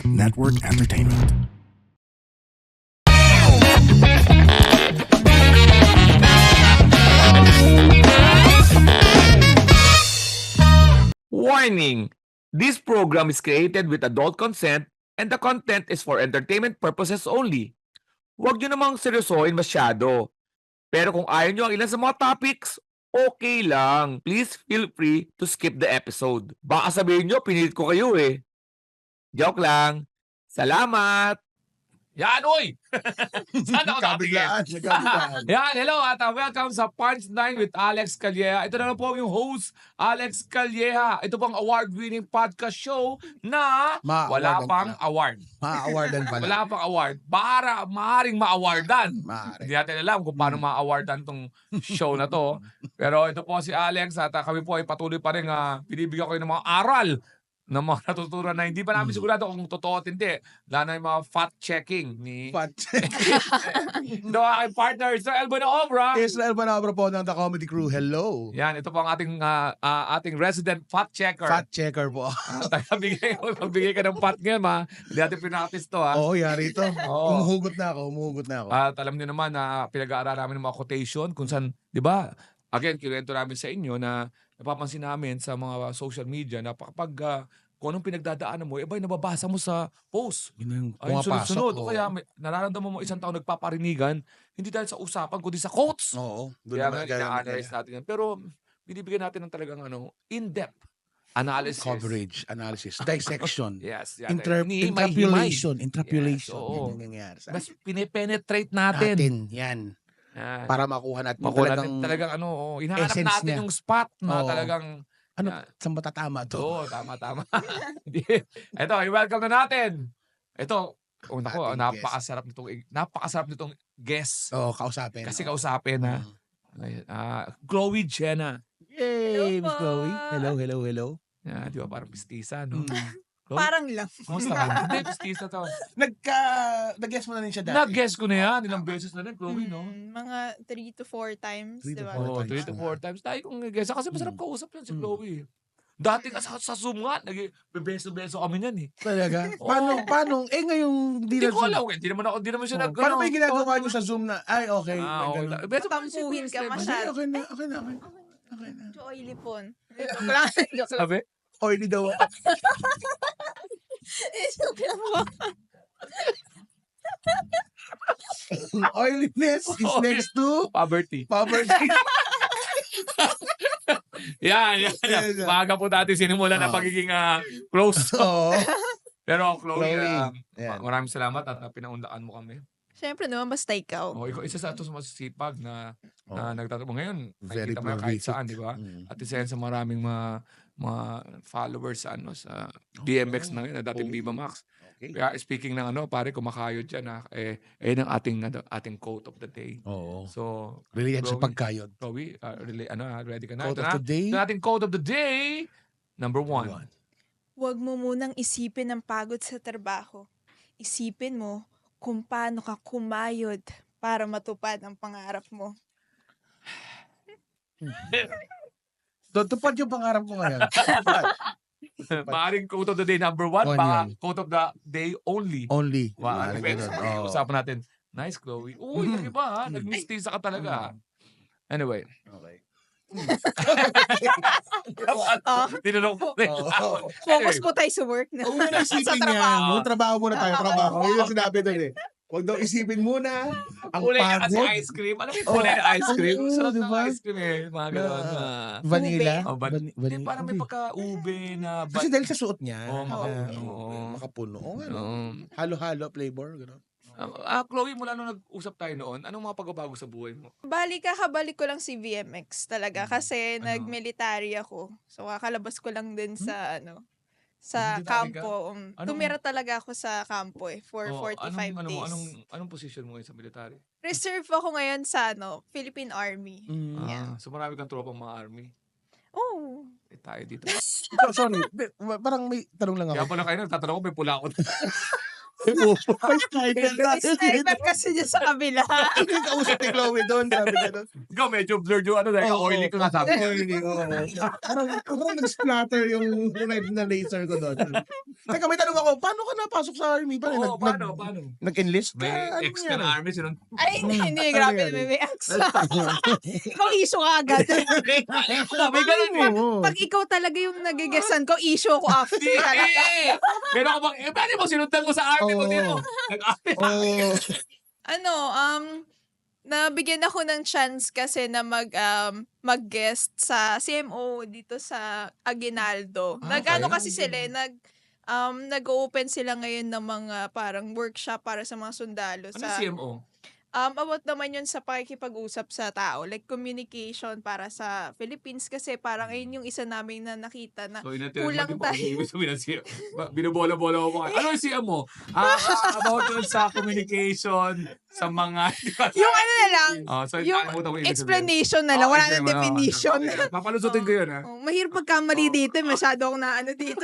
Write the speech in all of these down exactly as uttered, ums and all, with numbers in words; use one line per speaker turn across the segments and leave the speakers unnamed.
Network Entertainment.
Warning! This program is created with adult consent and the content is for entertainment purposes only. Huwag nyo namang seryosohin masyado. Pero kung ayaw nyo ang ilan sa mga topics, okay lang. Please feel free to skip the episode. Baka sabihin nyo, pinilit ko kayo eh. Joke lang. Salamat! Yan, uy! Saan ako
Kabiglaan,
natingin?
kabiglaan.
Yan, hello at uh, welcome sa Punch nine with Alex Calleja. Ito na lang po yung host, Alex Calleja. Ito pong award-winning podcast show na wala
Ma-awardan
pang
pala.
award.
Ma-awardan pala.
Wala pang award. Para, maaring ma-awardan.
Maaari.
Hindi natin alam kung paano ma-awardan tong show na to. Pero ito po si Alex at uh, kami po ay patuloy pa rin uh, binibigyan ko ng mga aral na mga natutunan na hindi pa namin sigurado kung totoo at hindi. Lalo na yung mga fact-checking ni
Fat.
no, aking partner, Sir Elbo na Obra.
Israel Banabra po ng The Comedy Crew. Hello.
Yan, ito po ang ating ah, ah, ating resident fact-checker.
Fat checker po.
Pagbigay, pagbigay ka ng fat ngayon, ma. Hindi natin pinaktis to, ha.
Oo, yari ito.
Oo.
Umuhugot na ako, umuhugot na ako.
At alam niyo naman na pinag-aaral namin ng mga quotation kung saan, di ba, again, kinuwento namin sa inyo na napapansin namin sa mga social media na kapag uh, kung anong pinagdadaanan mo, iba yung nababasa mo sa post.
Yun yung
Ay,
pumapasok.
sunod-sunod. O
oo.
kaya may, nararamdaman mo isang taon nagpaparinigan, hindi dahil sa usapan, kundi sa quotes.
Oo. Doon
Kaya
naman
nga,
ganun
ina-analyze
kaya.
natin yan. Pero, binibigyan natin ng talagang ano, in-depth analysis.
Coverage, analysis, dissection,
Yes. Yan.
inter-
Himay-himay.
interpolation, interpolation.
Yes, oo.
Yan yung nangyayari sa
Mas pinipenetrate natin.
natin. Yan.
Yan.
Para makuha natin
Makuha
talagang,
natin talagang ano, oh, hinahanap
essence
natin
niya.
yung spot na
Oo.
talagang,
ano,
yan.
saan ba tatama to?
Oo, tama, tama. Ito, i-welcome na natin. Ito, oh, naku,
Ating
napakasarap nitong, napakasarap nitong guest.
Oo, kausapin.
Kasi
oo.
kausapin na,
Mm.
ayun, ah, Chloe Jenna.
Yay, Miss
po.
Chloe. Hello, hello, hello.
Yan, di ba, parang pistisa, no?
Mm.
Chloe,
Parang lang.
kumusta ka? Hindi, pistisa to.
Nagka, nag-guess mo na rin siya dati.
Nag-guess ko na yan, ilang beses na rin, Chloe, no?
Mm, mga three to four times,
Three to
di ba?
four
Oo,
times
three to
na.
four times. Tayo kong nag-guess. Kasi masarap
Mm.
kausap yan si
Mm.
Chloe. Dati ka sa, sa Zoom nga, nag-beso-beso kami niyan eh.
Talaga?
Oo.
Paano, paano? Eh ngayon, hindi
Hindi
na
ko
Zoom.
alam, eh. Hindi naman ako, hindi naman siya
Oh,
nag-
paano
ano,
ba yung ginagawa
oo,
niyo sa Zoom na, ay, okay.
Ah,
may
okay
ganun.
lang. Beso,
Tampuhin ka
beso,
masyado.
Okay, okay na, okay na, okay na. Okay na.
Medyo oily po. Joke lang. Joke lang.
Sabi?
Oily daw ako.
Joke lang po.
Oiliness is
Oily.
next to
Poverty.
poverty.
Yan, yan. yan.
Yes, ah.
Maaga po natin sinimula na
Ah.
pagiging ah, close.
Oo.
Pero Chloe,
Chloe,
ah,
yan.
maraming salamat at ah, pinaunlakan mo kami.
Siyempre naman, basta ikaw.
Oh, ikaw isa sa atos masisipag na,
Oh.
na nagtatrabaho ngayon.
Very
Nakikita mo yan kahit
prolific.
saan, di ba?
Mm.
At isa yan sa maraming mga mga followers sa ano sa D M X na yun, na dating
Oh.
Viva Max.
Okay.
Kaya speaking ng ano, pare, kumakayod dyan ha. Eh, eh ang ating, ano, ating quote of the day.
Oo.
So,
Really yan sa
Chloe.
pagkayod.
Chloe, uh, really, ano, ha, ready ka na?
Quote
Ito
of
na.
the day.
Ito na ating quote of the day. Number one.
One.
Huwag mo munang isipin ang pagod sa trabaho. Isipin mo kung paano ka kumayod para matupad ang pangarap mo.
Tutupad yung pangarap ko ngayon. Tutupad.
Maaring quote of the day number one,
One
baka
yun.
quote of the day only.
Only.
Wow,
Ah,
depende.
ganun. Oo.
Usapan natin. Nice, Chloe. Uy,
Mm.
iba ha.
Mm.
Nag-mistisa ka talaga. ha. Anyway.
Okay.
Oh,
Tinanong ko.
Oo.
focus po tayo sa work na.
Huwag mo na
sa
isipin
trabaho.
yan. Huwag trabaho muna tayo. Trabaho. Yun yung sinabi doon eh. Huwag daw isipin muna ang
Kulay niya kasi
pagod.
ice cream. Alam mo yung kulay ng ice cream?
Oo,
Sarap ng
diba?
ice cream eh. Mga ganun.
Na-
ah.
Vanilla.
Oh, van-
Van-
Hindi,
vanilla.
parang may
Hindi.
pagka-ube na...
Kasi dahil sa suot niya.
Oo,
makapuno.
ah,
Oo.
makapuno. Oo, ano.
Oo.
Halo-halo flavor. Gano'n.
Ah, Chloe, mula nung nag-usap tayo noon, anong mga pagbabago sa buhay mo?
Bali, kakabalik ko lang si V M X talaga kasi
Ano?
nag-military ako. So, kakalabas ko lang din sa, ano, sa
Nag-military ka?
kampo. Um,
Anong-
tumira talaga ako sa kampo eh, for
Oh,
forty-five
anong,
days.
Anong, anong, anong position mo ngayon sa military?
Reserve ako ngayon sa, ano, Philippine Army.
Mm.
Yeah.
Ah, so marami kang tropang mga army.
Oh.
Eh, tayo dito.
So, sorry. Be- Parang may tanong lang
Kaya
ako.
pala kayo nagtatanong ko, may pula ako.
First title.
May sniper kasi niya sa kabila.
Yung kausap ni Chloe doon, sabi niya doon.
Ikaw medyo blurred yung ano dahil
Oo,
oily ka nga sabi.
Oily, oo. Parang parang nag-splatter yung red na laser ko doon. Teka, may tanong ako, paano ka napasok sa army? Paano,
Oo,
nag,
paano,
nag,
paano?
nag-enlist ka?
May
Ano
ex ka
nangyari?
na army, sinun...
Ay, hindi, hindi.
Ano
Grabe,
yan?
may, may ex. Ikaw issue ka agad.
May ganun eh.
Oo.
Pag ikaw talaga yung nagigesan ko, issue ko after.
Hindi! Pero ako bang, eh, paano mo sinundan mo sa army mo
Oo.
dito? Nag-army
Oo.
Ano, um, nabigyan ako ng chance kasi na mag um, mag-guest sa C M O dito sa Aguinaldo.
Ah,
Nag-ano
okay.
kasi sila, eh, nag um, nag-open sila ngayon ng mga parang workshop para sa mga sundalo
Ano
sa
C M O?
um about naman yun sa pakikipag-usap sa tao, like communication para sa Philippines kasi parang ayun yung isa namin na nakita na
So, inatid
kulang
mo,
tayo.
di ba sabihin ng C M O? Binobola-bola mo kayo. Ano yung C M O? Ah, ah, about yun sa communication, sa mga...
Yung ano na lang,
Oh, so,
yung
nakalimutan ko ibig sabihin.
explanation na lang,
Oh,
wala
okay,
nang
wala.
definition.
Okay, papalusutin ko yun, ha?
Oh, mahirap pagkamali dito, eh, masyado akong naano dito.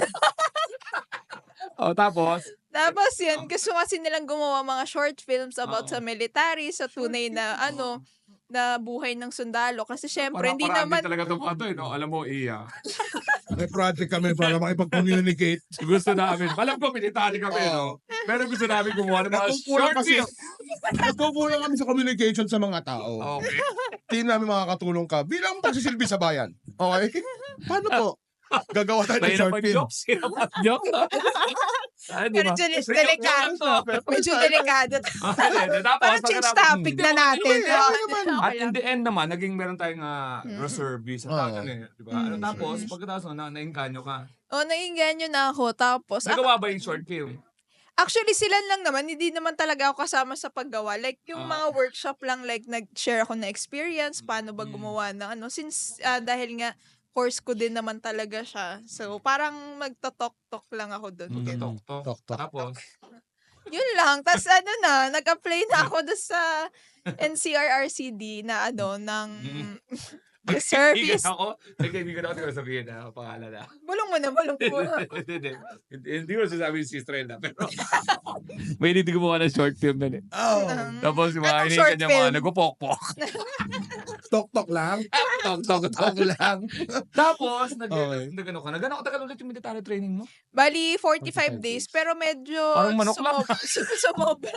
Oh, tapos?
Tapos yun, gusto kasi nilang gumawa mga short films about
Oo.
sa military, sa tunay na ano, na buhay ng sundalo. Kasi syempre, hindi
Para-paraan
naman,
din talaga itong ano, eh, no? Alam mo, iya.
May project kami para makipag-communicate.
Gusto namin. Alam ko, military kami, no? Pero gusto namin gumawa ng mga
Nagkukulang
short
kasi.
film.
Nagkukulang kami sa communication sa mga tao.
Okay.
Tingin namin makakatulong ka bilang pagsisilbi sa bayan. Okay? Paano to? Gagawa tayo ng
Mahirap
short
ang
film.
jokes. Hirap ang jokes. Ah, di ba?
medyo delikado. Medyo delikado.
Okay, tapos,
Parang change
pagkatapos-
topic na natin.
Hindi,
Oo,
okay naman.
okay
At in
lang.
the end naman, naging meron tayong uh,
Mm.
reservist.
Oo.
At ano eh, di ba? Ano,
Mm.
tapos, pagkatapos na, nainganyo ka.
O, naiinganyo na ako. Tapos,
Nagawa ba yung short film?
actually, sila lang naman. Hindi naman talaga ako kasama sa paggawa. Like, yung
Ah.
mga workshop lang, like, nag-share ako na experience, paano ba
Mm.
gumawa ng ano. Since, ah, dahil nga, course ko din naman talaga siya. So, parang magtotok-tok lang ako dun.
Mm.
Ganun.
Tok-tok.
Tok-tok.
Tapos,
Yun lang. Tapos ano na, nag-apply na ako doon sa N C R R C D na ano, ng
Mm.
service.
Kaibigan ako, may kaibigan ako, hindi ko sabihin na, pangalan na.
Bulong mo na, bulong mo.
Hindi, hindi. Hindi ko sasabihin si Estrella, pero may hindi gumawa ng short film na eh.
Oh.
Um,
Tapos yung mga
Anong
hinihingan
short
niya mga
film?
nagpupok-pok.
Tok-tok lang.
Tok, tok, tok.
Tok lang.
Tapos, nag,
Okay.
nag, ano ka, nag-ano ka tagal ulit yung military training mo?
Bali, forty-five
forty-five
days.
days.
Pero medyo
Parang manok lang.
sumob- sumobra.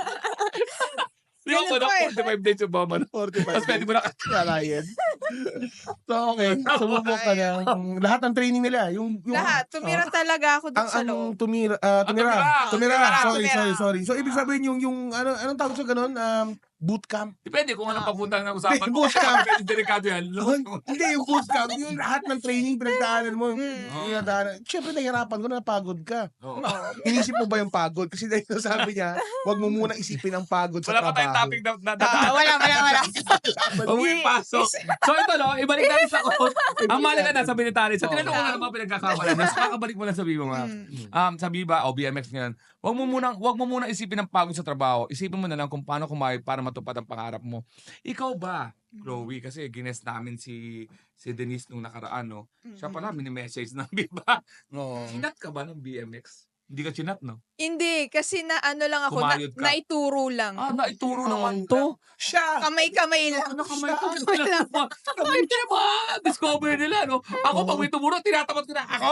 Di ba
Ganun
ko na
po eh.
forty-five days yung bama na.
forty-five
Tapos pwede mo na
Kalayan. So, okay. Sumubok ka na. Lahat ng training nila. Yung, yung,
Lahat. Tumira talaga ako
ang,
doon sa
ang
loob.
tumira, ah, tumira,
Ah, tumira.
tumira,
Tumira,
sorry,
tumira.
sorry, sorry. So, ibig sabihin yung, yung, ano, anong tawag sa ganun? Um, boot camp.
Depende kung anong
Ah.
papunta ng usapan mo.
Boot camp.
Medyo delikado yan.
Hindi, yung boot camp. Yung lahat ng training pinagdaanan mo.
Mm.
Yung pinagdaanan. Siyempre, nahihirapan ko na napagod ka.
Oo.
Inisip mo ba yung pagod? Kasi dahil sabi niya, wag mo muna isipin ang pagod sa
Wala pa tayong
trabaho.
topic na na-
Ah,
na-
wala, wala, wala.
Huwag mo ipasok. So ito no, ibalik natin sa quote. Ang mahalaga na sa military. Sa tinanong ko na naman pinagkakawala. Mas kakabalik mo lang sa Viva mga.
Mm.
Um, sa Viva o B M X ngayon. Huwag mo muna, huwag mo muna isipin ang pagod sa trabaho. Isipin mo na lang kung paano kumayod para matupad ang pangarap mo. Ikaw ba, Chloe, kasi gines namin si si Denise nung nakaraan, no? Siya pala, mini-message ng Viva.
Oo.
Sinat ka ba ng B M X? Hindi ka sinat, no?
Hindi, kasi na ano lang ako, na,
Kumayod ka.
naituro lang.
Ah, naituro
Oo.
naman to.
Siya!
Kamay-kamay lang.
Ano kamay ko?
Kamay lang.
Kamay ko ba? Discover nila, no? Ako, pag may tumuro, tinatapat ko na. Ako!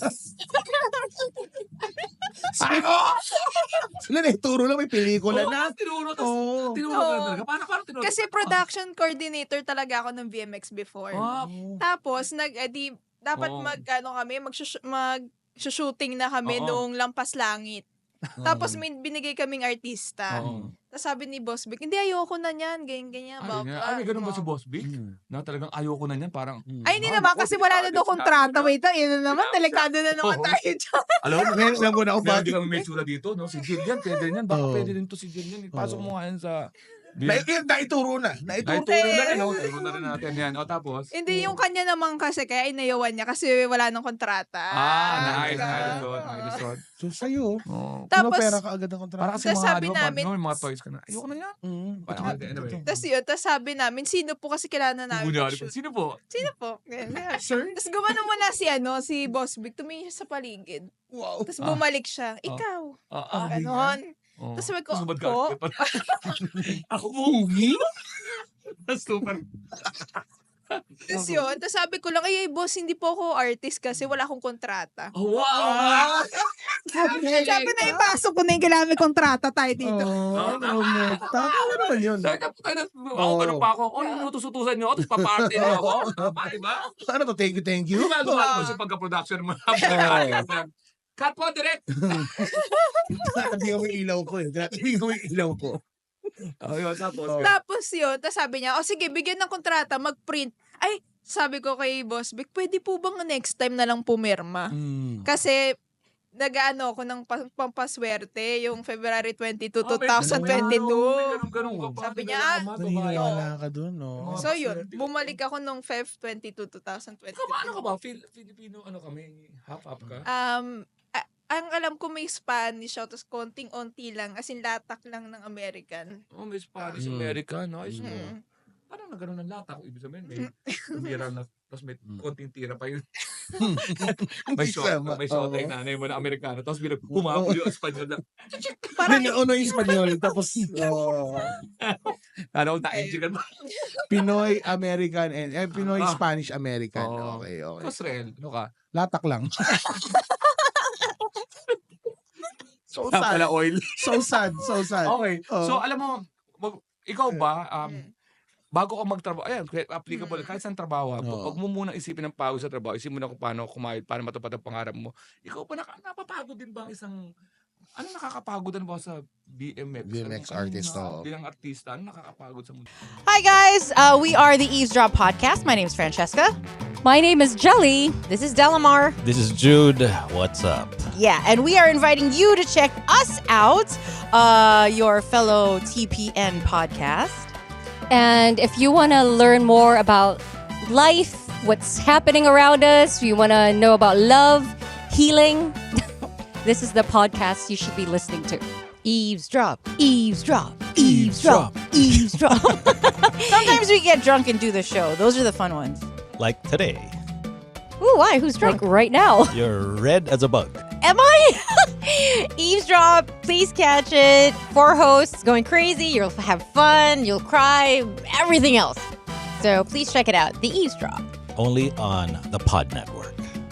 Ako!
Sila na ituro lang, may pelikula
Oo,
na.
tinuro. tas-
Oo.
Tinuro ka
Oo.
talaga. Paano, paano tinuro?
Kasi production coordinator talaga ako ng V M X before.
Ah,
Tapos, nag, edi, dapat
Oo.
mag, ano kami, mag, mag shooting na kami
Oo.
noong Lampas Langit. Tapos may binigay kaming artista.
Oo.
Tapos sabi ni Boss Vic, hindi ayoko na niyan, ganyan, ganyan.
Ay,
blah,
nga.
blah.
Ay, may ganun ba si
Oo.
Boss Vic? Na talagang ayoko na niyan. Parang,
Ay, hindi
Ah,
naman,
naku,
kasi wala na daw
sinabi
kontrata.
na.
Wait, yun na naman,
Sinabi
delikado na naman
Oo.
tayo dyan.
alam mo,
Ngayon alam ko na ako
meron
bakit.
din kami may tsura dito, no? Si Jill yan, pwede yan. Baka
Oo.
pwede rin to si Jill yan. Ipasok
Oo.
mo nga yan sa...
Na, yun, naituro na. Naituro
Naituro na
na.
rin, no? Naituro na rin natin yan. O, tapos?
Hindi, yung kanya naman kasi, kaya inayawan niya kasi wala nang kontrata.
Ah, nice.
ganun.
Nice resort. Nice resort. Rod.
So, sa'yo,
Oo.
Tapos,
pera ka agad ang kontrata.
Para kasi
Tas
mga,
sabi
di ba,
namin-
parang, no, mga toys ka na. Ayoko na yan.
Mm.
Parang,
Ito,
anyway.
ito.
tas yun, tas sabi namin, sino po kasi kailangan namin
Kunyari
mag-shoot?
po. Sino po?
Sino po? Ganyan.
Sir?
Tapos gumano muna si ano, si Boss Vic, tumingin siya sa paligid.
Wow.
Tapos
Ah.
bumalik siya, ikaw.
Ah, ah.
Ganon.
Oh.
Tapos sabi ko,
Sumad ka.
po?
Ako po. Tapos super.
Tapos yun, tapos sabi ko lang, ay, ay, boss, hindi po ako artist kasi wala akong kontrata.
Oh, wow!
Sabi na, ipasok ko na yung kailangan may kontrata tayo dito.
Oh, no, no. Tama naman yun.
Sabi ka, puta na, ako
Oo.
ganun pa ako. Oh, inutusutusan niyo ako, tapos paparty na ako. Ah, diba?
Ano to? Thank you, thank you.
Gumagawa ko sa pagka-production mo. Cut po, direct!
Tinatabi ko yung ilaw ko eh. Tinatabi ko yung ilaw ko.
Oh, yun, tapos.
Oh.
Tapos yun, tapos sabi niya, o sige, bigyan ng kontrata, mag-print. Ay, sabi ko kay Boss Vic, pwede po bang next time na lang pumirma?
Mm.
Kasi, nag-ano ako ng pa- pampaswerte, yung February twenty-two,
Oh, may
twenty twenty-two.
ganun, ganun ka pa.
Sabi niya,
Ganun ka
ah,
pa,
Naniniwala
babae.
ka dun, no?
So yun, bumalik ako nung Feb twenty-two, twenty twenty-two.
Ikaw ba, ano ka ba? Fil- Filipino, ano kami? Half-half ka?
Um, a- ang alam ko may Spanish siya, tapos konting-onti lang, as in latak lang ng American.
Oh, may Spanish
Mm.
American. Ayos mo.
Mm.
Parang na ganun ang latak. Ibig sabihin, may tumira na, tapos may
Mm.
konting tira pa yun. may shot,
Sama.
may shot
Oo.
ay nanay mo na Amerikano. Tapos bilang humapol yung Espanyol na.
Parang,
Ano yung Espanyol, tapos oh,
Ano, na-engineer ba?
Pinoy American and eh, Pinoy
Ah.
Spanish American.
Oo.
Okay, okay.
Tapos Rel, ano ka?
Latak lang. so
Ah,
sad.
pala oil.
So sad, so sad.
Okay.
Oo.
So, alam mo, mag- ikaw ba, um,
Mm.
bago ka magtrabaho, ayan, applicable,
Mm.
kahit saan trabaho,
Oo.
pag mo muna isipin ng pagod sa trabaho, isipin mo na kung paano kumayod, paano matupad ang pangarap mo. Ikaw ba, naka, napapagod din ba ang isang, ano nakakapagod din ba sa B M X?
B M X
Anong-
artist,
anong,
oo.
bilang artista, ano nakakapagod sa mundo?
Hi, guys. Uh, we are the Eavesdrop Podcast. My name is Francesca.
My name is Jelly.
This is Delamar.
This is Jude. What's up?
Yeah, and we are inviting you to check us out, uh, your fellow T P N podcast.
And if you want to learn more about life, what's happening around us, you want to know about love, healing, this is the podcast you should be listening to.
Eavesdrop, eavesdrop, eavesdrop, eavesdrop. Sometimes we get drunk and do the show. Those are the fun ones.
Like today,
Ooh, why? Who's
Like
drunk?
right now.
you're red as a bug.
Am I? Eavesdrop, please catch it. Four hosts going crazy. You'll have fun. You'll cry. Everything else. So please check it out. The Eavesdrop.
Only on the Pod Network.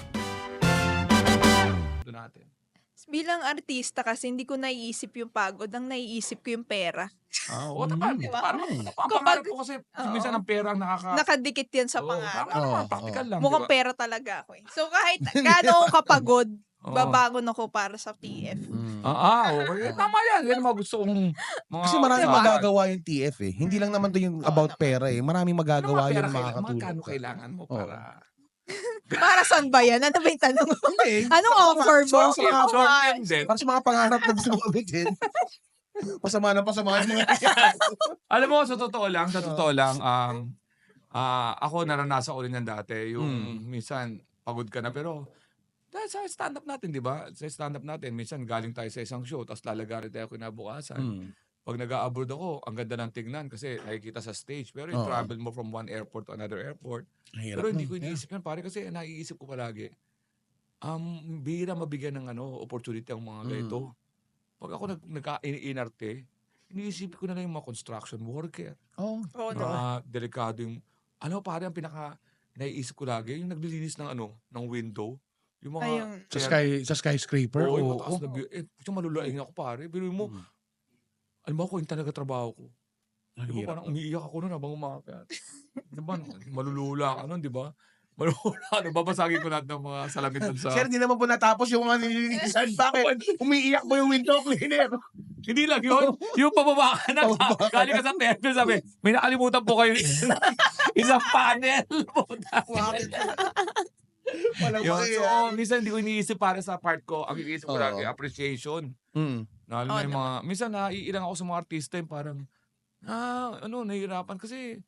Doon natin.
bilang artista kasi hindi ko naiisip yung pagod, ang naiisip ko yung pera.
Ah, oo, tama.
Diba?
Parang, ang
Kapag-
pangarap ko kasi,
Oo.
minsan ang pera ang nakaka...
Nakadikit yan sa
Oo,
pangarap.
tama,
Oo,
practical lang.
Mukhang
diba?
pera talaga ako eh. So kahit gaano ako kapagod,
Oo.
babangon ako para sa T F.
Ah, ah, okay. Tama yan. Yan ang mga gusto kong mga...
Kasi maraming
Diba?
magagawa yung T F eh. Hindi lang naman to yung about pera eh. Maraming
Ano
magagawa
mga pera
yun
kailangan?
makakatulong.
Magkano kailangan mo para...
Para saan ba yan? Ano ba yung tanong mo?
Hindi.
Anong offer mo?
Para sa mga,
Short term din.
para sa mga pangarap na gusto mo abitin. Pasama na pasama yung mga
Alam mo, sa totoo lang, sa totoo lang, um, ah ako naranasan ko rin yan dati. Yung
Hmm.
minsan, pagod ka na, pero dahil sa stand-up natin, di ba? Sa stand-up natin, minsan galing tayo sa isang show, tapos lalagarin tayo kinabukasan.
Hmm.
Pag nag-a-abroad ako, ang ganda ng tignan kasi nakikita sa stage. Pero yung
Oo.
travel mo from one airport to another airport. Pero hindi ko iniisip yan, pare, kasi naiisip ko palagi. Um, bihira mabigyan ng ano, opportunity ang mga
Mm.
ganito. Pag ako nag, nagka-inarte, iniisip ko na lang yung mga construction worker.
Oh.
Oo
Mga
naman.
delikado yung, ano pare, ang pinaka, naiisip ko lagi, yung naglilinis ng ano, ng window. Yung mga,
Ayun.
Sa sky sa skyscraper.
Oo, yung
Oo.
mataas na view. Eh, puto malulaing ako pare. Pero mo,
Mm.
alam mo ako yung talaga trabaho ko.
Ang
Di ba
hirap.
parang umiiyak ako nun habang umakyat. Di ba, malulula ka nun, di ba? Malulula, ano, babasagin ko lahat ng mga salamin dun sa...
Sir, hindi naman po natapos yung mga nililinisan. Bakit? Umiiyak mo yung window cleaner.
Hindi lang yun. Yung pababa ka na,
Pababa ka
galing ka sa temple, sabi, may nakalimutan po kayo isang panel.
Bakit? Walang
Yun, so,
pakiya.
oh, minsan hindi ko iniisip para sa part ko. Ang iniisip ko
Oo.
lagi, appreciation.
Mm.
Na, alam mo
Oo
yung mga, minsan naiilang ako sa mga artista yung parang, ah, ano, nahihirapan kasi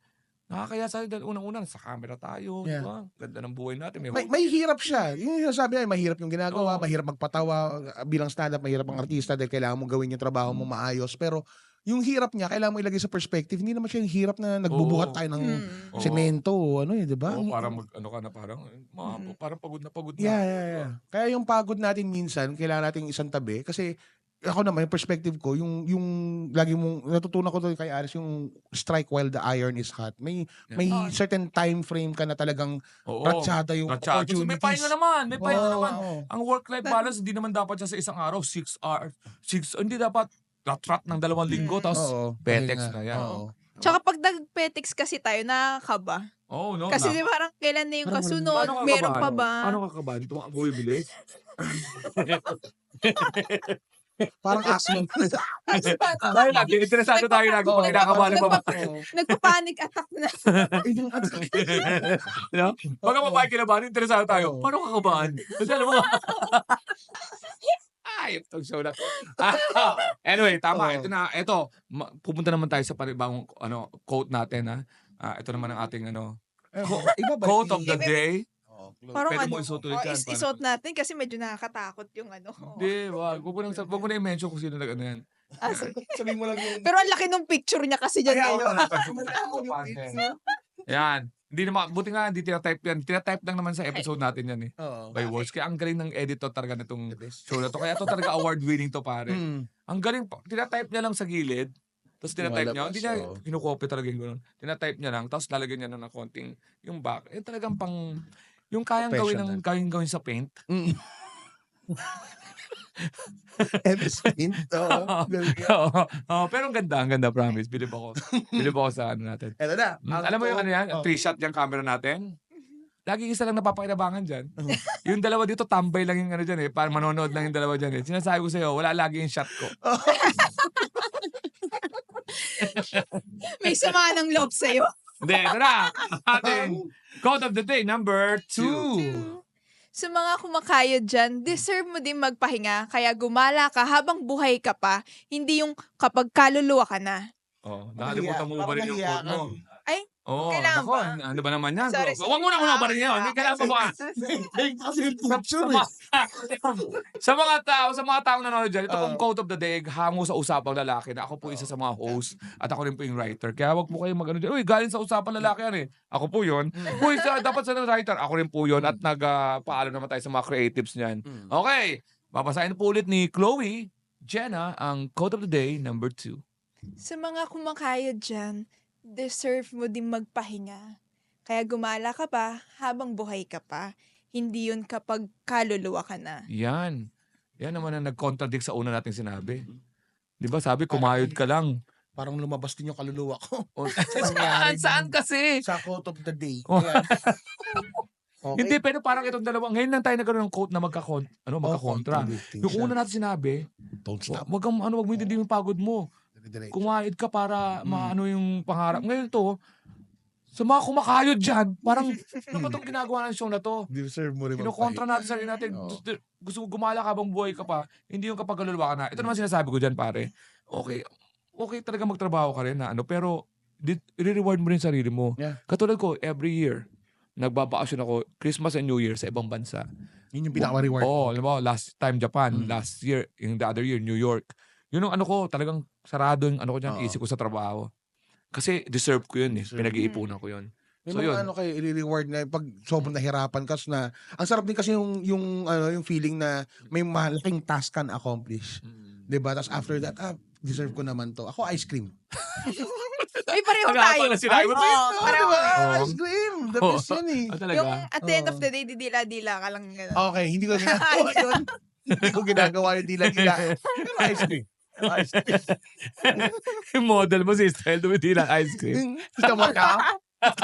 Nakakaya sa'yo dahil unang-una, sa camera tayo, di
Yeah.
ba? Ganda ng buhay natin. May,
May, may hirap siya. Yung sinasabi niya, mahirap yung ginagawa,
Oo.
mahirap magpatawa uh, bilang stand-up, mahirap ang artista dahil kailangan mong gawin yung trabaho mo maayos. Pero yung hirap niya, kailangan mo ilagay sa perspective. Hindi naman siya yung hirap na nagbubuhat
Oo.
tayo ng
Hmm.
Oo.
semento o ano eh, di ba?
Oo,
Ang-
parang mag, ano ka na, parang, mga,
Mm.
parang pagod na pagod na.
Yeah, yeah, yeah. Kaya yung pagod natin minsan, kailangan nating isang tabi. Kasi ako naman, yung perspective ko, yung, yung lagi mong, natutunan ko to kay Aris, yung strike while the iron is hot. May,
Yeah.
may
Oo.
certain time frame ka na talagang
Oo.
ratsyada yung
Ratsyado. Kasi
opportunities.
may pahinga naman, may pahinga
Oo,
naman.
oo.
Ang work-life balance, hindi naman dapat siya sa isang araw, six hours, six, hindi dapat rat-rat ng dalawang linggo,
Mm.
tapos,
Oo,
petex
pahinga.
na yan.
Oo.
Tsaka pag nag-petex kasi tayo, nakakaba.
oh, no.
Kasi
na-
di ba parang kailan na yung
Parang
kasunod,
Paano ka
meron
kabahan?
pa ba?
Paano ka kabahan? Tumakbo yung bilis?
Parang asthma.
Dahil lagi, interesado tayo lagi pag kinakabahan ng babae.
Oo.
Nagpa-panic attack na.
Yung-
no? Pag ang babae kinabahan, interesado tayo.
Oo.
Paano ka kabahan? Kasi alam mo, ay, itong show na. Ah, anyway, tama.
Oo.
Ito na, ito. ma- Pupunta naman tayo sa panibagong ano, quote natin. Ha? Ah, ito naman ang ating ano,
Eh, iba ba?
quote of the
Iba-
day.
Oo,
Parang
Pwede
ano,
mo isuot ulit
oh,
yan,
is-
parang-
isuot natin kasi medyo nakakatakot yung ano.
Hindi, wag. Huwag mo nang wag mo na i-mention kung sino nag ano yan.
Ah, sige.
Sabihin mo lang yung...
Pero ang laki ng picture niya kasi dyan
Kaya,
ngayon.
Yan. Hindi naman, buti nga, hindi tinatype yan. Tinatype lang naman sa episode natin yan eh.
Oo.
By words. Kaya ang galing ng editor talaga nitong
The best.
show na to. Kaya to talaga award-winning to, pare.
Mm.
Ang galing, pa- tinatype niya lang sa gilid. Tapos tinatype niya,
Lumalabas,
hindi niya
oo.
kinukopy talaga yung gano'n. Tinatype niya lang, tapos lalagyan niya na ng konting yung back. Eh talagang pang, yung kayang gawin ng, kayang gawin sa paint.
Mm. M S Paint. Oo. Galing yan.
Oo. Oo, pero ang ganda, ang ganda, promise. Bilib ako. Bilib ako sa ano natin.
Eto na.
Mm,
Ang
alam mo yung ano yan?
oh.
Three shot yung camera natin? Lagi isa lang napapakinabangan dyan. Yung dalawa dito, tambay lang yung ano dyan eh. Parang manonood lang yung dalawa dyan eh. Sinasabi ko sa'yo, wala lagi yung shot ko.
May sama ng loob sa'yo.
Hindi, ito na. Ating quote of the day, number two.
Two.
Sa mga kumakayod dyan, deserve mo din magpahinga. Kaya gumala ka habang buhay ka pa. Hindi yung kapag kaluluwa ka na.
Oh, nakalimutan mo ba rin yung
Nahiya
quote mo?
Ay,
Oh,
kailangan
nako,
ba?
ano ba naman yan?
Sorry,
Huwag mo na muna ba rin yan? Hindi kailangan pa ba?
Kasi yung
Sa,
picture
mga, sa mga tao, sa mga taong nanonood dyan, ito
Oo.
pong quote of the day, hango sa usapang lalaki na ako po isa sa mga host at ako rin po yung writer. Kaya wag po kayong mag-ano dyan, uy, galing sa usapang lalaki yan eh. Ako po yun. Uy, sa, dapat sa writer, ako rin po yun at nagpaalam naman tayo sa mga creatives niyan.
Mm.
Okay, babasahin po ulit ni Chloe Jenna ang quote of the day, number two.
sa mga kumakayod dyan, deserve mo din magpahinga. Kaya gumala ka pa habang buhay ka pa. Hindi yun kapag kaluluwa ka na.
Yan. Yan naman ang nag-contradict sa una nating sinabi. Di ba sabi, kumayod ka lang.
Parang lumabas din yung kaluluwa ko.
O,
nangyari
saan, saan
dun?
kasi?
Sa quote of the day.
Oh.
Kaya, okay.
Hindi, pero parang itong dalawa. Ngayon lang tayo nagkaroon ng quote na magkakon, ano,
Oh,
magkakontra.
contradicting
Yung
siya.
una natin sinabi,
Don't stop.
wag kang, ano, wag mo hindi yung pagod mo.
Dire-diretso.
Kumayod ka para
Mm.
maano yung pangarap. Ngayon to, sa mga kumakayod dyan, parang, ano ba itong ginagawa ng show na to?
Deserve mo rin
Kinokontra natin sarili natin.
Oo.
Gusto, gusto mo gumala ka habang buhay ka pa, hindi yung kapag kaluluwa ka na. Ito naman sinasabi ko dyan, pare. Okay, okay talaga magtrabaho ka rin na ano, pero di- i-reward mo rin sarili mo.
Yeah.
Katulad ko, every year, nagbabakasyon ako, Christmas and New Year sa ibang bansa.
Yun yung pinaka-reward.
Oo, oh, alam mo, last time Japan,
Mm.
last year, yung the other year, New York. Yun ang ano ko, talagang sarado yung ano ko dyan,
Oo.
isip ko sa trabaho. Kasi deserve ko yun eh.
Deserve.
Pinag-iipunan ko yun.
May
So,
mga
yun.
ano kayo, i-reward na pag sobrang nahirapan ka na, ang sarap din kasi yung, yung, ano, yung feeling na may malaking task ka na accomplish. Diba? Tapos after that, ah, deserve ko naman to. Ako, ice cream.
Ay, pareho
Pag-
tayo.
pag- sinabi mo,
Oo,
Oh,
pareho.
diba?
Oo.
Ice cream. The
Oo.
best yan eh.
Ah, talaga?
Yung at the end of
Oo.
the day, didila-dila ka lang. Ganun.
Okay, hindi ko ginagawa yun. Hindi ko ginagawa yung dila-dila. Pero ice cream. Ice cream.
yung model mo si Style Dumitila ice cream.
Kita mo ka?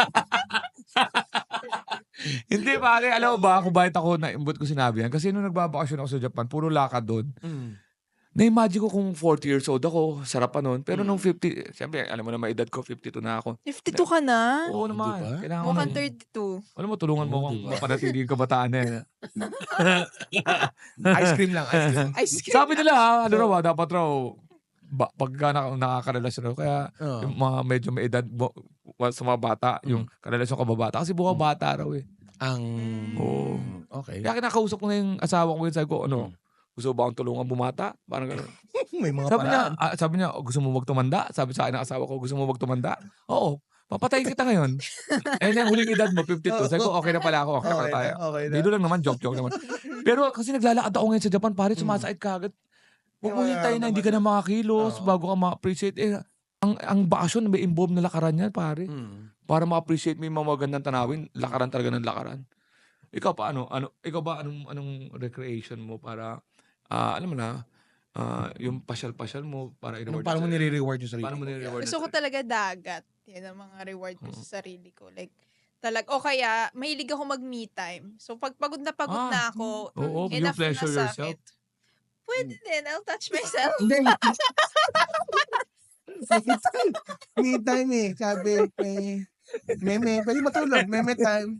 Hindi pare, alam mo ba kung bakit ako naimbot ko sinabi yan? Kasi nung nagbabakasyon ako sa Japan, puro lakad doon.
Mm.
Na-imagine ko kung forty years old ako, sarap pa nun. Pero nung fifty, siyempre, alam mo na edad ko, fifty-two na ako.
fifty-two ka na?
Oo naman.
Di ba?
Kailangan ko
Mukhang
na-
thirty-two.
Alam mo, tulungan mo
Oo,
akong
di ba?
mapanatili yung kabataan na yan.
Ice cream lang, ice cream.
Ice cream.
Sabi nila, ha, ano raw, ah, dapat raw, ba, pagka na, nakakarelasyon raw, kaya
Oo.
yung mga medyo may edad, bo- sa mga bata, yung karelasyon kababata. Kasi buka bata raw eh.
Ang...
Oo.
Okay.
Kaya kinakausap ko na yung asawa ko yun. Sabi ko, ano, gusto mo ba akong tulungan bumata? Parang gano'n.
May mga
Sabi niya,
paraan.
ah, sabi niya, "Oh, gusto mo magtumanda?" Sabi sa akin ng asawa ko, gusto mo magtumanda? Oo. Papatayin kita ngayon. Eh, yung huling edad mo, fifty-two. Sabi ko, okay na pala ako. Okay, na
Okay
pala tayo.
na, okay na.
Dito lang naman, joke-joke naman. Pero kasi naglalakad ako ngayon sa Japan, pare, sumasakit ka agad. Huwag mo
Kaya
hintayin na hindi ka na makakilos
Oo.
bago ka ma-appreciate. Eh, ang, ang bakasyon, may involved na lakaran yan, pare.
Mm.
Para ma-appreciate mo yung mga magandang tanawin, lakaran talaga ng lakaran. Ikaw pa, ano? ano ikaw ba, anong, anong recreation mo para, ah, alam mo na, ah, yung pasyal-pasyal mo para
Anong,
i-reward
paano mo
yung sarili?
nire-reward yung sarili
Paano mo
mo?
nire-reward
Gusto ko
yung sarili?
talaga dagat. Yan ang mga reward ko
Oo.
sa sarili ko. Like, talag, o kaya, mahilig ako mag-me time. So, pag pagod na pagod
Ah,
na ako,
Oo, you
enough na
pleasure
sa
yourself.
akin. Pwede din, I'll touch myself.
Hindi. Me time eh. Sabi, may... Meme. Pwede matulog. Meme time.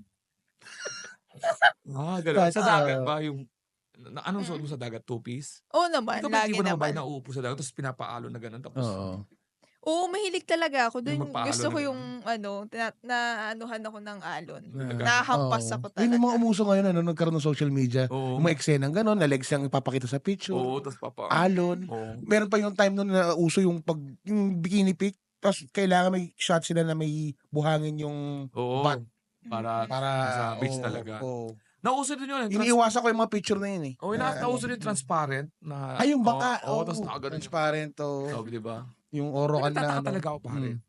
Ah, gano'n. Sa
But,
dagat
uh,
ba yung, na, anong suot mo sa dagat? Two-piece?
Oo naman,
Ikaw ba
lagi
tipo na babae
naman.
na uupo sa dagat tapos pinapaalo na gano'n tapos
Oo.
Oo, mahilig talaga ako.
Yung
Dun,
magpaalo
gusto ko
na
yung, ano, na, na anuhan ako ng alon.
Talaga?
Nahampas
Oo.
ako
Yun yung mga
talaga.
umuso ngayon, ano, nagkaroon ng social media.
Oo.
Yung mga eksenang gano'n, na legs ang ipapakita sa picture.
Oo, tapos papa.
Alon.
Oo.
Meron pa yung time nun na uso yung pag yung bikini pic. Tapos kailangan may shot sila na may buhangin yung
Oo.
butt
Para,
para
sa beach
oo,
talaga.
oo.
Nauso din yun. eh, Trans-
Iniiwasan ko yung mga picture na yun eh.
Oo, na,
Na-
nauso din transparent na.
Ay, yung baka.
Oo,
Oo,
tapos nakaganon.
transparent to.
Tawag, di ba?
Yung orokan na
Nagtataka
ano.
talaga ako, pare.
Mm.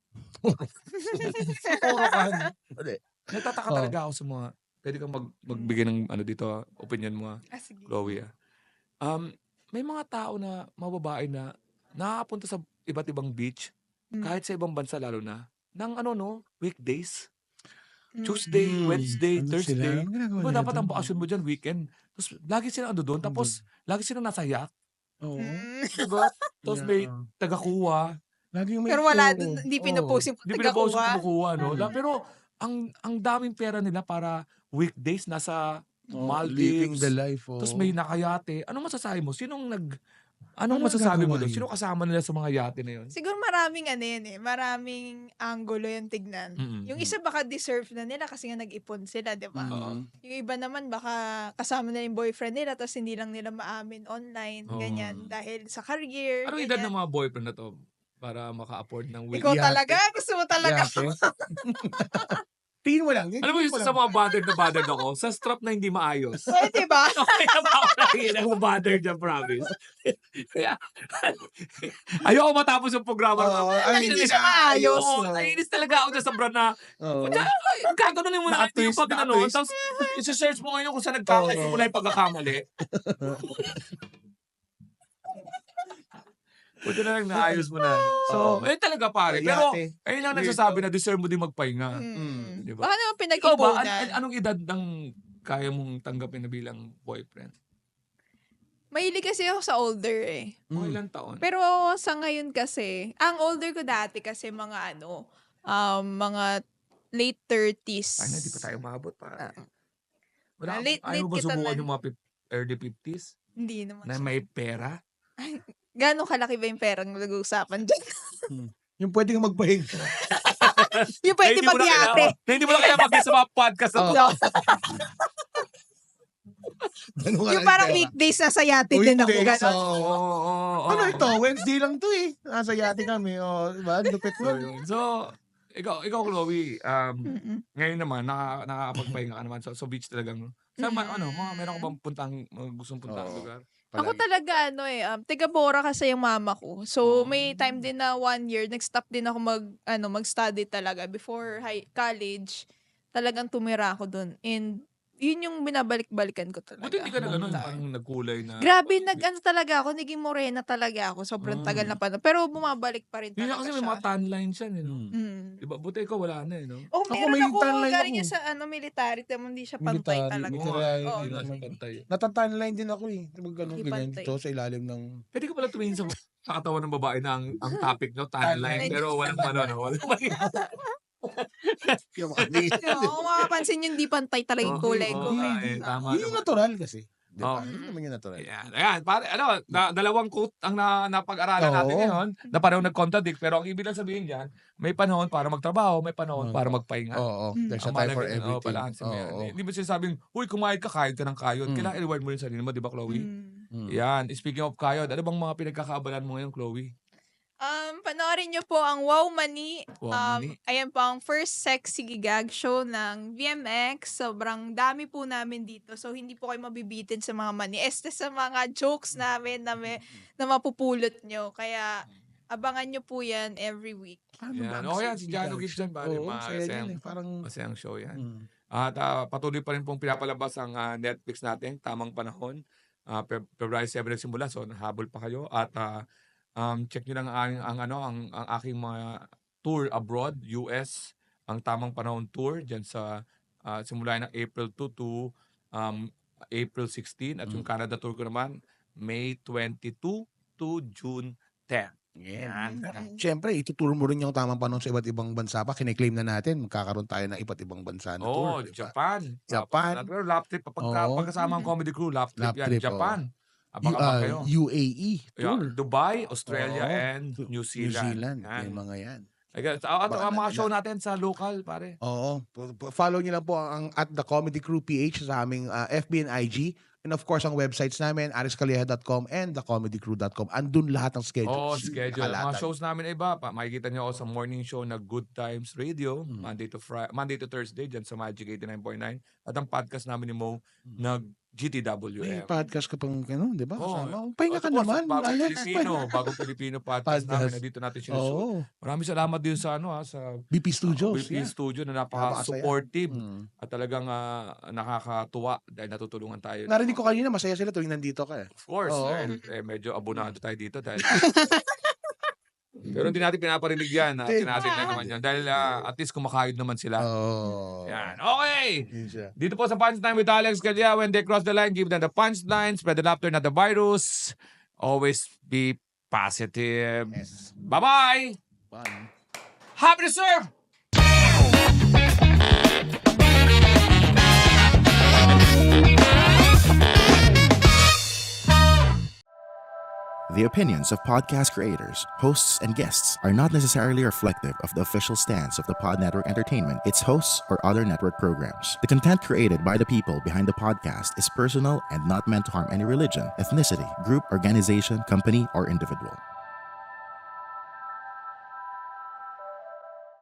orokan.
Nagtataka
Oo.
talaga ako sa mga, pwede kang mag, magbigay ng ano dito, ah, opinion mo, ah,
Ah, sige.
Chloe. ah. Um, may mga tao na, mga babae na, nakakapunta sa iba't ibang beach,
Mm.
kahit sa ibang bansa lalo na, ng ano no, weekdays.
Mm.
Tuesday,
Mm.
Wednesday,
Ano
Thursday.
sila? Anong ginagawa
Diba
nila
dapat ang
doon?
bakasyon mo dyan, weekend. Tapos lagi sila ando doon. Tapos lagi sila nasa yacht.
Oo.
Mm.
Diba? Tapos may
Yeah.
taga-kuha.
Laging may
Pero wala,
show.
dun, hindi
Oo.
pinupost yung
Hindi pinapost yung
taga-kuha.
kumukuha, no?
Mm.
La- Pero ang ang daming pera nila para weekdays nasa
Oo,
Maldives.
living the life. Oo.
Tapos may nakayate. Anong masasabi mo? Sinong nag... Anong
Ano
masasabi mo
nagagawa
doon?
yun?
Sino kasama nila sa mga yate na yun?
Siguro maraming ano yan eh, maraming angulo yung tignan.
Mm-mm.
Yung isa baka deserve na nila kasi nga nag-ipon sila, di ba?
Mm.
Yung iba naman baka kasama na yung boyfriend nila tapos hindi lang nila maamin online,
Oo.
ganyan. Dahil sa career,
Anong edad
ganyan.
ng mga boyfriend na to? Para maka-afford ng week.
Ikaw
Yate.
talaga? Gusto mo talaga?
Yate. Tingin mo lang.
Alam mo yung
tingin
sa
lang.
mga bothered na bothered ako, sa strap na hindi maayos.
Pwede ba?
Okay na ba ako nakikita ng bothered dyan, promise? Kaya, ayoko matapos yung programa.
Oo, ay,
hindi siya maayos.
Oo, naiinis talaga ako dyan sa brand na,
Oo.
gaganunin mo na
Naka-twist,
yung pag ano,
naka-twist.
tapos isi-search mo ngayon kung saan nagkamali,
Oo.
kung wala yung pagkakamali. Buti na lang naayos mo na. So,
Oo.
ayun talaga pare. Pero,
Yate.
ayun lang
Weird
nagsasabi na deserve mo din magpahinga.
Mm.
Di ba?
Baka naman
Ikaw ba,
pinag-ipunan.
an- an- anong edad ng kaya mong tanggapin na bilang boyfriend?
Mahilig kasi ako sa older eh.
O
Mm.
ilang taon?
Pero sa ngayon kasi, ang older ko dati kasi mga ano, um, mga late thirties.
Ay, na, di pa tayo maabot pa.
Ah.
Wala,
Late-
ayaw
late
mo ba
kita
subukan
na.
yung mga fif- early fifties?
Hindi naman.
Na
siya.
may pera?
Gano'ng kalaki ba yung perang nag-uusapan dyan?
Yung pwede kang magpahinga.
yung pwede
Na hindi mo na
mag-yate.
kailangan- na Hindi mo na kaya mag sa mga podcast na to.
Oo. Ganun nga
Yung
lang
parang
pera.
weekdays na sa yate
O
din ako.
hindi,
Gano'n.
so,
Oo, oo, oo.
ano ito? Wednesday lang to eh. Nasa yate kami. O, diba? Lupit
So,
nun.
yun. So, ikaw, ikaw Chloe, um,
Mm-mm.
ngayon naman, naka, nakakapagpahinga ka naman. So, so beach talagang, sa ma-
Mm.
ano, mga meron ka bang puntang, mga gustong puntang
Oo.
lugar?
Ako
Palagi.
talaga ano eh, um, taga Bora kasi yung mama ko. So
Oh.
may time din na one year, nag-stop din ako mag, ano, mag-study talaga before high, college. Talagang tumira ako dun. And yun yung binabalik-balikan ko talaga.
Buti hindi ka na
Long
ganun,
time.
parang nagkulay na.
Grabe, nag-ano talaga ako, naging morena talaga ako. Sobrang
Mm.
tagal na pa. Pero bumabalik pa rin
Yun na
talaga
kasi
siya.
may mga tan lines yan, eh, no?
Mm.
Mm.
Diba? Buti ikaw wala na, eh, no?
Oh,
Ako,
meron
may
ako,
tan line
galing
ako.
yan sa ano, military. Tamo, hindi siya pantay
Military,
talaga.
Oo,
military,
Oo,
hindi na
naman.
siya pantay.
Natatanline din ako eh. Mag ano,
Hindi
ganyan
pantay.
dito sa ilalim ng...
Pwede ka pala tumingin sa, sa katawan ng babae na ang, ang topic nyo, tan line,
Tan line.
pero walang ano, no? Walang mali.
Yung mga
Oo, kung makapansin yun, hindi pantay talaga yung
Oo,
kulay
oo
ko.
nga,
eh.
eh, tama
Yun yung
naman.
natural kasi. Di ba?
Oh.
Yun naman yung natural.
Ayan, ayan, pare, ano, na, dalawang quote ang na, napag-aralan
Oo.
natin ngayon na pareho nag-contradict, pero ang ibig lang sabihin dyan, may panahon para magtrabaho, may panahon para magpahinga.
Oo.
Mm.
There's a
Ang
time for
mahalaga yun, oh,
everything.
balance mo yan.
Oo.
Hindi mo sinasabing, uy, kumayod ka, kayod ka ng kayod.
Mm.
Kailangan i-reward mo yung sarili mo, di ba, Chloe?
Mm.
Mm.
Yan, speaking of kayod, ano bang mga pinagkakaabalan mo ngayon, Chloe?
Um, panoorin niyo po ang Wow Money.
Wow
um,
Money.
Ayan po ang first sexy gag show ng V M X. Sobrang dami po namin dito. So, hindi po kayo mabibitin sa mga money. Este sa mga jokes namin na, may, na mapupulot nyo. Kaya, abangan nyo po yan every week.
Ano
Yan.
ba?
Oh, yan, si Jano Gibbs dyan, pare.
Oo, saya
Masayang,
yan eh. Parang...
masayang show yan.
Mm.
At ah, patuloy pa rin pong pinapalabas ang ah, Netflix natin, Tamang Panahon. Uh, February seven nagsimula, so habol pa kayo. At ah, um, check nyo lang ang, ang, ano, ang, ang aking mga tour abroad, U S, ang Tamang Panahon Tour, dyan sa ah, simula ng April two to um, April sixteen. At yung Canada tour ko naman, May twenty-two to June tenth.
Yan.
Yan.
Siyempre, ituturo mo rin yung tamang panahon sa iba't ibang bansa pa. Kiniklaim na natin, magkakaroon tayo ng iba't ibang bansa na
Oh,
tour. di ba?
Japan.
Japan.
Pero lap trip. Pagka,
Oo.
pagkasama ang comedy crew, lap trip
Lap
yan.
trip,
Japan.
U,
Abang-abang
ah,
kayo.
U A E
Yeah,
tour.
Dubai, Australia,
Oo.
and New Zealand.
New Zealand.
Yan.
Yung mga yan.
Like, at, at,
Baka
ang mga
na-
show natin sa local, pare.
Oo. P- p- Follow nyo lang po ang at the Comedy Crew P H sa aming ah, F B and I G. And of course, ang websites namin, aris calleja dot com and the comedy crew dot com. Andun lahat ng
Oh,
schedules.
schedule. Mga
Nakalatag.
shows namin ay iba. Pa, makikita niyo ako sa morning show na Good Times Radio,
Mm.
Monday to Friday, Monday to Thursday dyan sa Magic eighty-nine point nine. At ang podcast namin ni Mo na G T W
May
M.
podcast ka pang, ano, di ba?
Oo.
Kasama. Pahinga
Of
ka
course,
naman,
Bagong
Alex.
Pilipino, Bagong Pilipino podcast,
Podcast.
namin na dito natin sinushoot.
Oo.
Maraming salamat din sa ano ha, sa
B P Studios.
B P
yeah.
Studio na
Napakasaya.
napaka-supportive
Mm.
at talagang ah, nakakatuwa dahil natutulungan tayo.
Narinig ko kanina, masaya sila tuwing nandito ka. eh.
Of course,
Oo.
dahil eh, medyo abonado tayo dito dahil pero hindi natin pinaparinig yan. Ha?
Hindi.
Tinatin na naman yan. Dahil ah, at least kumakayod naman sila.
Oo.
Yan. Okay!
Yun siya.
Dito po sa Punchline with Alex Calleja, when they cross the line, give them the punchline, spread the laughter, not the virus. Always be positive.
Yes.
Bye-bye!
Fun.
Happy to serve!
The opinions of podcast creators, hosts, and guests are not necessarily reflective of the official stance of the Pod Network Entertainment, its hosts, or other network programs. The content created by the people behind the podcast is personal and not meant to harm any religion, ethnicity, group, organization, company, or individual.